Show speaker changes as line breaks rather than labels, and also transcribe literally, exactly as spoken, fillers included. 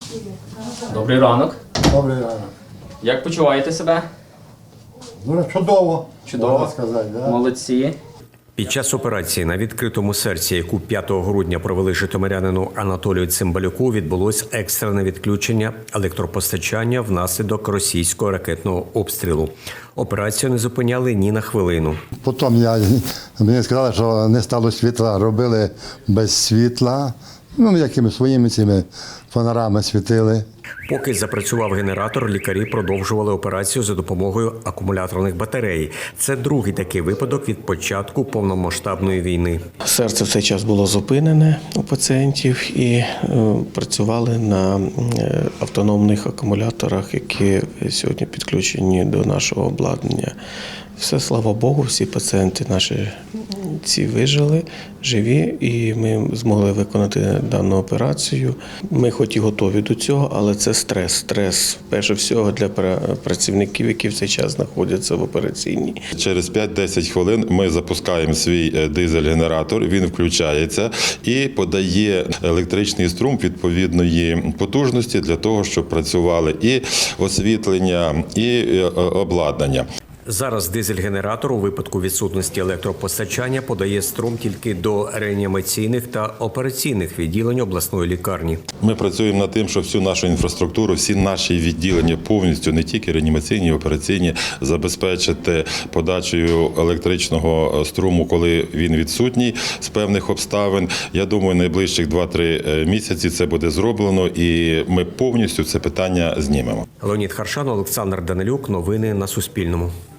Добрий ранок.
Добрий ранок.
Як почуваєте себе?
Дуже чудово,
Чудово.
можна сказати. Да?
Молодці.
Під час операції на відкритому серці, яку п'ятого грудня провели житомирянину Анатолію Цимбалюку, відбулось екстрене відключення електропостачання внаслідок російського ракетного обстрілу. Операцію не зупиняли ні на хвилину.
Потім я, мені сказали, що не стало світла, робили без світла, ну, якими своїми цими фонарами світили.
Поки запрацював генератор, лікарі продовжували операцію за допомогою акумуляторних батарей. Це другий такий випадок від початку повномасштабної війни.
Серце в цей час було зупинене у пацієнтів і е, працювали на е, автономних акумуляторах, які сьогодні підключені до нашого обладнання. Все, слава Богу, всі пацієнти наші ці вижили, живі, і ми змогли виконати дану операцію. Ми хоч і готові до цього, але це стрес. Стрес, перше всього, для працівників, які в цей час знаходяться в операційній.
Через п'ять-десять хвилин ми запускаємо свій дизель-генератор, він включається і подає електричний струм відповідної потужності для того, щоб працювали і освітлення, і обладнання.
Зараз дизель-генератор у випадку відсутності електропостачання подає струм тільки до реанімаційних та операційних відділень обласної лікарні.
Ми працюємо над тим, щоб всю нашу інфраструктуру, всі наші відділення повністю, не тільки реанімаційні, операційні, забезпечити подачею електричного струму, коли він відсутній з певних обставин. Я думаю, найближчих два-три місяці це буде зроблено і ми повністю це питання знімемо.
Леонід Харшан, Олександр Данилюк. Новини на Суспільному.